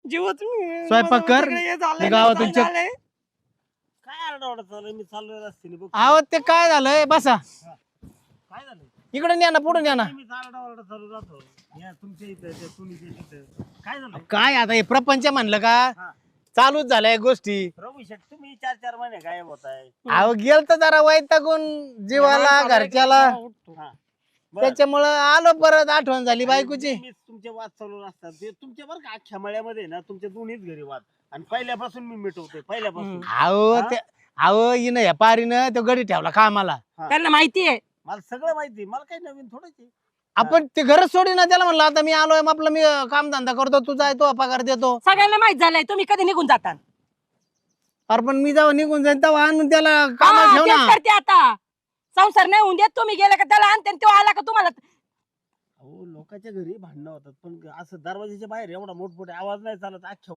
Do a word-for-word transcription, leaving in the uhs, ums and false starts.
जीवच मी स्वयंपाक कर. तिकडे हे झालंय, मी गावातून झालंय, चेक- झालंय. काय आरडाओरडा चालू आहे? मी चाललोय रस्त्याने बघ. अहो ते काय झालंय बसा काय झालं? इकडून या ना पुढून या ना. मी आरडाओरडा चालू राहतो. या तुमच्या इथं त्या सुनीच्या तिथं काय झालं? काय आता हे प्रपंच म्हणलं का हा. चालूच झालंय गोष्टी. रघु शेट तुम्ही चार चार महिने गायब होताय. अहो गेल तर जरा वैतागून जीवाला चाललंय घरच्याला का? उठतो. हा. बरं. त्याच्यामुळं आलो परत आठवण झाली बायकोची. मी तुमचे वाद चालू असतात ते तुमच्या बरं का अख्ख्या मळ्यामध्ये ना तुमच्या दोन्हीच घरी वाद आणि पहिल्यापासून मी मिटवतोय पहिल्यापासून. अहो ते अहो हिनं या पारीनं तो गडी ठेवला कामाला. त्यांना माहितीये मला सगळं माहिती मला काही नवीन थोडंच आहे. आपण ते घरच सोडी ना त्याला म्हणलं आता मी आलोय मग आपलं मी काम धंदा करतो तू जाय तो पगार देतो. सगळ्यांना माहित झालंय तुम्ही कधी निघून जाता. अरे पण मी जेव्हा निघून जाईन तेव्हा आणून त्याला कामाला हा, ठेव तेच ना. करते आता. संसार नाही होऊन देत तुम्ही गेले का त्याला आणते आणि तो आला का तुम्हाला अहो लोकांच्या घरी भांडणं होतात पण असं दरवाजाच्या बाहेर एवढा मोठमोठा आवाज नाही चालत अख्ख्या